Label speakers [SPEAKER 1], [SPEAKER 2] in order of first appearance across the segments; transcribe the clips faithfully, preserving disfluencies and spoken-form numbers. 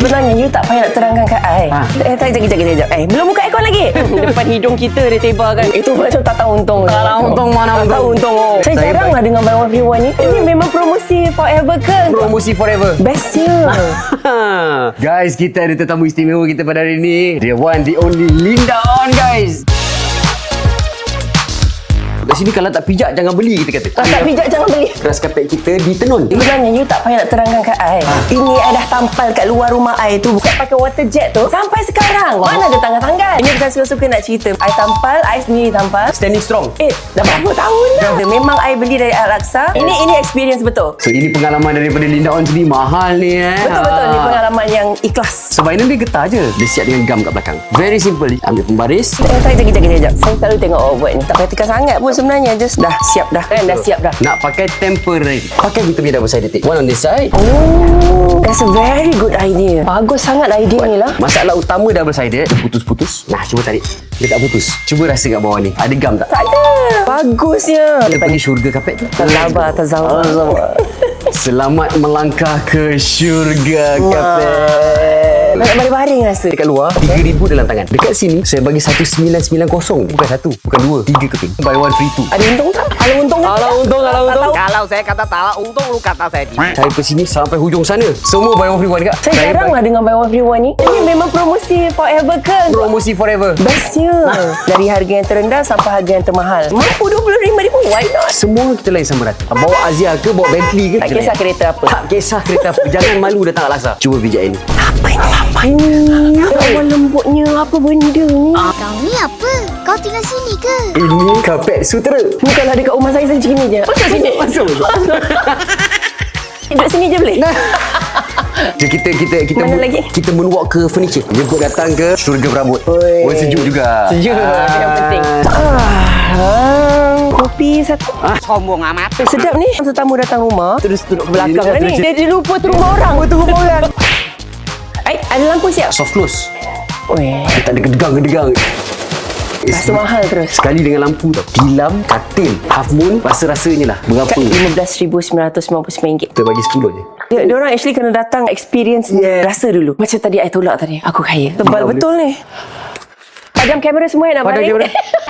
[SPEAKER 1] Sebenarnya you tak payah nak terangkan kat I.
[SPEAKER 2] Ha.
[SPEAKER 1] Eh, tak, sekejap, sekejap, sekejap. Eh, belum buka aircon lagi. Depan hidung kita dia tebarkan. Itu macam tak tahu untung.
[SPEAKER 2] Tak tahu untung mana
[SPEAKER 1] Tak
[SPEAKER 2] untung.
[SPEAKER 1] tahu untung. Oh. Saya,
[SPEAKER 2] Saya
[SPEAKER 1] jarang
[SPEAKER 2] baik.
[SPEAKER 1] lah dengan Buy One Free One ni. Ini memang promosi forever ke?
[SPEAKER 2] Promosi forever.
[SPEAKER 1] Bestnya.
[SPEAKER 2] Guys, kita ada tetamu istimewa kita pada hari ini. The one, the only Linda On, guys. Kat sini kalau tak pijak jangan beli, kita kata.
[SPEAKER 1] Tak, tak pijak jangan beli.
[SPEAKER 2] Keras kapet kita di tenun.
[SPEAKER 1] Sebenarnya you tak payah nak terangkan kat I. Ini I dah tampal kat luar rumah I tu. Saya pakai water jet tu sampai sekarang. Mana ada tanggal-tanggal. Ini bukan suka-suka nak cerita. I tampal, I sendiri tampal.
[SPEAKER 2] Standing strong.
[SPEAKER 1] Eh, dah berapa tahun dah. Memang I beli dari Al-Aqsa. Ini ini experience betul.
[SPEAKER 2] So ini pengalaman daripada Linda On sendiri. Mahal ni eh.
[SPEAKER 1] Betul-betul ni pengalaman yang ikhlas.
[SPEAKER 2] So final dia getah je. Dia siap dengan gam kat belakang. Very simple. Ambil pembaris.
[SPEAKER 1] Eh, tak, sekejap, sekejap, sekejap. Saya selalu tengok awak buat ni. Tak praktikal sangat pun sebenarnya. Just dah siap dah. Kan dah siap dah.
[SPEAKER 2] Nak pakai temporary. Pakai kita punya double sided tape. One on this side.
[SPEAKER 1] Oh, that's a very good idea. Bagus sangat idea ni lah.
[SPEAKER 2] Masalah utama double sided, dia putus-putus. Nah, cuba tarik. Dia tak putus. Cuba rasa kat bawah ni. Ada gam tak?
[SPEAKER 1] Tak ada. Bagusnya.
[SPEAKER 2] Kita pergi syurga kapet tu.
[SPEAKER 1] Tak sabar, tak sabar.
[SPEAKER 2] Selamat melangkah ke syurga kapet.
[SPEAKER 1] Nak baring-baring rasa.
[SPEAKER 2] Dekat luar tiga ribu dalam tangan. Dekat sini saya bagi satu sembilan sembilan kosong. Bukan satu, bukan dua, tiga keping. Buy one free two.
[SPEAKER 1] Ada untung tak? Kalau untung tak?
[SPEAKER 2] Kalau untung, kalau
[SPEAKER 1] Tak
[SPEAKER 2] untung.
[SPEAKER 1] tahu.
[SPEAKER 3] Kalau saya kata tak untung, lu kata saya tidak.
[SPEAKER 2] Saya ke sini sampai hujung sana. Semua buy one free one dekat.
[SPEAKER 1] Saya jarang lah dengan Buy One Free One ni. Ini memang promosi forever ke?
[SPEAKER 2] Promosi forever.
[SPEAKER 1] Bestnya. Dari harga yang terendah sampai harga yang termahal. Mampu dua puluh lima ribu. Why not?
[SPEAKER 2] Semua kita lain sama rata. Bawa Azia ke, bawa Bentley ke.
[SPEAKER 1] Tak
[SPEAKER 2] kita
[SPEAKER 1] kisah
[SPEAKER 2] layan.
[SPEAKER 1] kereta apa.
[SPEAKER 2] Tak kisah kereta apa. Jangan malu datang Al-Aqsa. Cuba pijak ini.
[SPEAKER 1] Apa ini? Apa ini? Awal lembutnya. Apa benda ni?
[SPEAKER 4] Kau ni apa? Kau tinggal sini ke?
[SPEAKER 2] Ini kapet sutera.
[SPEAKER 1] Ni kalau dekat rumah saya, saya macam ni je. Masuk sini.
[SPEAKER 2] Masuk, masuk.
[SPEAKER 1] Duduk sini je boleh?
[SPEAKER 2] So, kita kita kita
[SPEAKER 1] Mana
[SPEAKER 2] moon,
[SPEAKER 1] lagi?
[SPEAKER 2] kita moonwalk ke furniture. Jemput datang ke syurga berambut.
[SPEAKER 1] Oi.
[SPEAKER 2] Oh, sejuk juga.
[SPEAKER 1] Sejuk.
[SPEAKER 2] Ah.
[SPEAKER 1] Yang penting. Ah, kopi satu.
[SPEAKER 3] Sombong amat.
[SPEAKER 1] Eh, sedap ni. Tetamu datang rumah, terus duduk ke belakang
[SPEAKER 2] Dia-
[SPEAKER 1] ni.
[SPEAKER 2] dia-
[SPEAKER 1] Dia, dia lupa tu rumah orang. Tu rumah orang. Eh, ada lampu siap?
[SPEAKER 2] Soft close.
[SPEAKER 1] Weh,
[SPEAKER 2] Dia tak ada gedegang-gedegang.
[SPEAKER 1] rasa mahal terus.
[SPEAKER 2] Sekali dengan lampu tau. Tilam, katil, half moon, rasa-rasanya lah. Berapa?
[SPEAKER 1] lima belas ribu sembilan ratus sembilan puluh sembilan ringgit.
[SPEAKER 2] Kita bagi sepuluh je.
[SPEAKER 1] Dia, dia orang actually kena datang experience yeah. Rasa dulu. Macam tadi I tolak tadi. Aku kaya. Tebal
[SPEAKER 2] Tidak
[SPEAKER 1] betul ni. Padam kamera semua yang nak
[SPEAKER 2] Padam
[SPEAKER 1] baring.
[SPEAKER 2] kamera.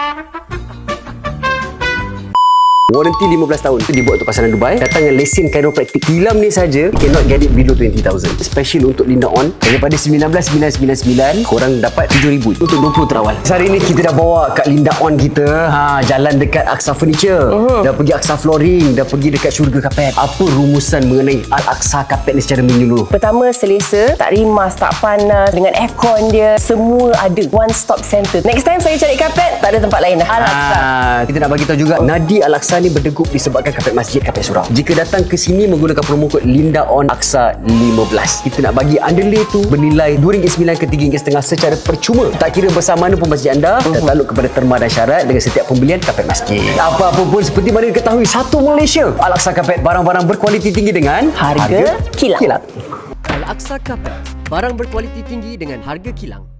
[SPEAKER 2] Warranty lima belas tahun. Dia buat untuk pasaran Dubai. Datang dengan lesen chiropractic. Tilam ni saja, you cannot get it below twenty thousand. Special untuk Linda On. Daripada sembilan belas sembilan sembilan sembilan, korang dapat tujuh ribu untuk dua puluh terawal. Hari ni kita dah bawa kat Linda On kita. Ha, jalan dekat Aqsa Furniture. Uh-huh. Dah pergi Aqsa Flooring. Dah pergi dekat syurga kapet. Apa rumusan mengenai Al-Aqsa Kapet ni secara menyeluruh?
[SPEAKER 1] Pertama, selesa. Tak rimas, tak panas. Dengan aircon dia. Semua ada. One stop center. Next time saya cari kapet, tak ada tempat lain dah. Al-Aqsa.
[SPEAKER 2] Ah, kita nak bagi tahu juga Nadi Al-Aqsa ni berdegup disebabkan kapet masjid, kapet surau. Jika datang ke sini menggunakan promo kod Linda On Aqsa lima belas, kita nak bagi underlay tu bernilai dua ringgit sembilan ke tiga ringgit setengah secara percuma. Tak kira besar mana pun masjid anda, uh-huh. tertakluk kepada terma dan syarat dengan setiap pembelian kapet masjid. Apa-apa pun seperti mana diketahui, satu Malaysia. Al-Aqsa Kapet, barang-barang berkualiti tinggi dengan
[SPEAKER 1] Harga kilang.
[SPEAKER 2] kilang.
[SPEAKER 5] Al-Aqsa Kapet, barang berkualiti tinggi dengan harga kilang.